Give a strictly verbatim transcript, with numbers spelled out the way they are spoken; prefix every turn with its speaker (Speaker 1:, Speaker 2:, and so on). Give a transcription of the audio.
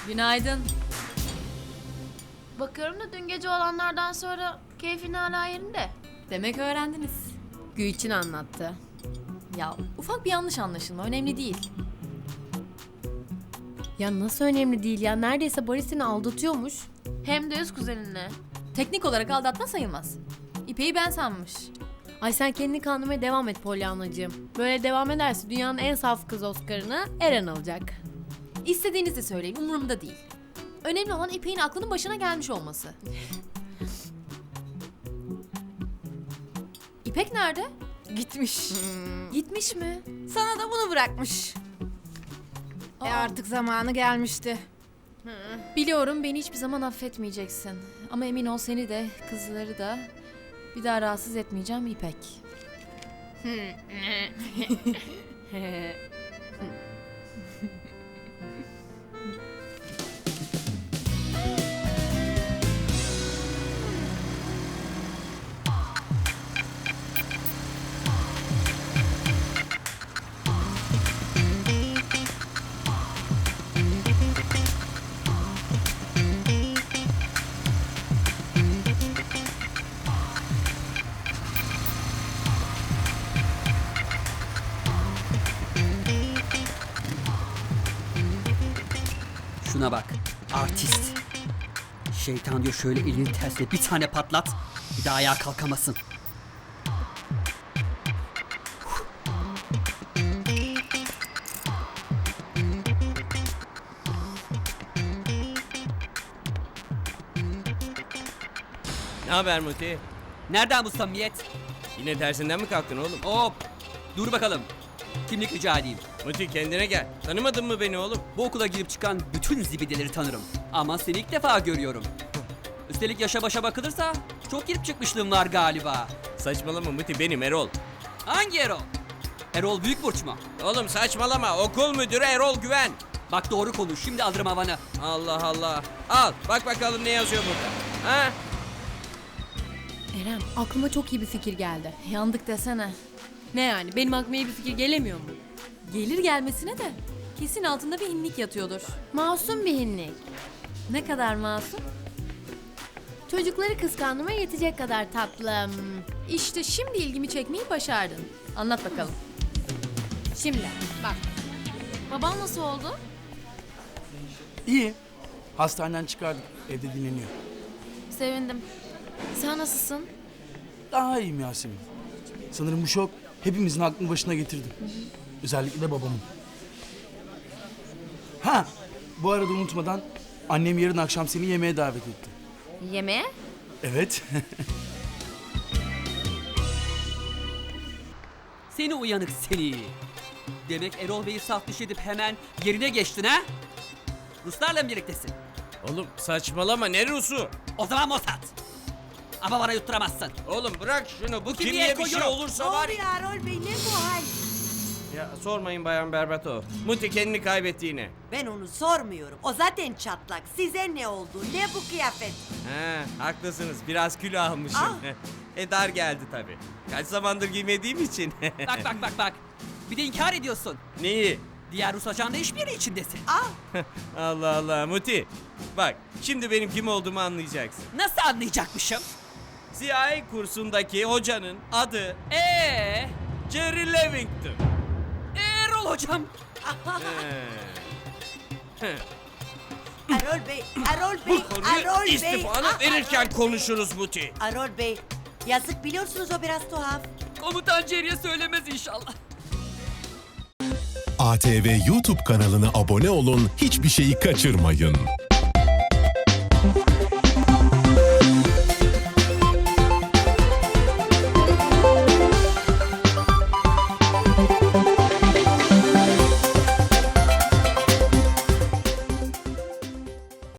Speaker 1: Günaydın.
Speaker 2: Bakıyorum da dün gece olanlardan sonra keyfin hala yerinde.
Speaker 1: Demek öğrendiniz.
Speaker 3: Gülçin anlattı.
Speaker 1: Ya ufak bir yanlış anlaşılma, önemli değil.
Speaker 3: Ya nasıl önemli değil ya? Neredeyse Barış seni aldatıyormuş.
Speaker 2: Hem de öz kuzeninle.
Speaker 1: Teknik olarak aldatma sayılmaz. İpek'i ben sanmış.
Speaker 3: Ay sen kendini kandırmaya devam et Pollyanna'cığım. Böyle devam ederse dünyanın en saf kız Oscar'ını Eren alacak.
Speaker 1: İstediğinizi söyleyin, umurumda değil. Önemli olan İpek'in aklının başına gelmiş olması. İpek nerede?
Speaker 4: Gitmiş.
Speaker 1: Gitmiş mi?
Speaker 4: Sana da bunu bırakmış. E
Speaker 1: Aa.
Speaker 4: artık zamanı gelmişti.
Speaker 1: Biliyorum, beni hiçbir zaman affetmeyeceksin. Ama emin ol, seni de kızları da bir daha rahatsız etmeyeceğim İpek.
Speaker 5: Şuna bak, artist. Şeytan diyor şöyle elini tersine bir tane patlat, bir daha ayağa kalkamasın.
Speaker 6: Ne haber Muti?
Speaker 5: Nereden bu samimiyet?
Speaker 6: Yine dersinden mi kalktın oğlum?
Speaker 5: Hop, dur bakalım. Kimlik rica edeyim.
Speaker 6: Muti kendine gel. Tanımadın mı beni oğlum?
Speaker 5: Bu okula girip çıkan bütün zibideleri tanırım. Ama seni ilk defa görüyorum. Üstelik yaşa başa bakılırsa çok girip çıkmışlığım var galiba.
Speaker 6: Saçmalama Muti, benim Erol.
Speaker 5: Hangi Erol? Erol Büyükburç mu?
Speaker 6: Oğlum saçmalama, okul müdürü Erol Güven.
Speaker 5: Bak doğru konuş, şimdi alırım havanı.
Speaker 6: Allah Allah. Al bak bakalım ne yazıyor burada. Ha?
Speaker 3: Eren aklıma çok iyi bir fikir geldi.
Speaker 1: Yandık desene.
Speaker 3: Ne yani? Benim aklıma iyi bir fikir gelemiyor mu?
Speaker 1: Gelir gelmesine de kesin altında bir inlik yatıyordur.
Speaker 3: Masum bir hinlik.
Speaker 1: Ne kadar masum?
Speaker 3: Çocukları kıskandırmaya yetecek kadar tatlım.
Speaker 1: İşte şimdi ilgimi çekmeyi başardın. Anlat bakalım.
Speaker 3: Şimdi bak.
Speaker 1: Baban nasıl oldu?
Speaker 7: İyi. Hastaneden çıkardık. Evde dinleniyor.
Speaker 1: Sevindim. Sen nasılsın?
Speaker 7: Daha iyiyim Yasemin. Sanırım bu şok hepimizin aklını başına getirdi. Özellikle de babamın. Ha! Bu arada unutmadan annem yarın akşam seni yemeğe davet etti.
Speaker 1: Yemeğe?
Speaker 7: Evet.
Speaker 5: Seni uyanık seni. Demek Erol Bey'i saf dışı edip hemen yerine geçtin ha? Ruslarla mı birliktesin?
Speaker 6: Oğlum saçmalama, ne Rus'u?
Speaker 5: O zaman Mossad. Ama bana yutturamazsın.
Speaker 6: Oğlum bırak şunu, bu
Speaker 5: Kimliğe
Speaker 6: kimliğe bir şey
Speaker 5: koyuyorum.
Speaker 6: olursa var ya.
Speaker 8: Erol Bey, ne bu hal?
Speaker 6: Ya sormayın Bayan Berbato. Muti kendini kaybetti yine.
Speaker 8: Ben onu sormuyorum. O zaten çatlak. Size ne oldu? Ne bu kıyafet?
Speaker 6: He, haklısınız, biraz kilo almışım.
Speaker 8: Ah.
Speaker 6: e dar geldi tabii. Kaç zamandır giymediğim için.
Speaker 5: Bak bak bak bak. Bir de inkar ediyorsun.
Speaker 6: Neyi?
Speaker 5: Diğer Rus ajanla işbirliği içindesin.
Speaker 8: Ah,
Speaker 6: Allah Allah Muti. Bak şimdi benim kim olduğumu anlayacaksın.
Speaker 5: Nasıl anlayacakmışım?
Speaker 6: C I A kursundaki hocanın adı
Speaker 5: Ee,
Speaker 6: Jerry Levington.
Speaker 5: Erol hocam.
Speaker 6: He.
Speaker 8: Erol Bey, Erol Bey,
Speaker 6: Bu konuyu
Speaker 8: Erol Bey.
Speaker 6: istifanı
Speaker 8: Ah,
Speaker 6: verirken
Speaker 8: Erol-
Speaker 6: konuşuruz Muti.
Speaker 8: Erol Bey, yazık biliyorsunuz o biraz tuhaf.
Speaker 5: Komutan Jerry'e söylemez inşallah.
Speaker 9: A T V YouTube kanalına abone olun, hiçbir şeyi kaçırmayın.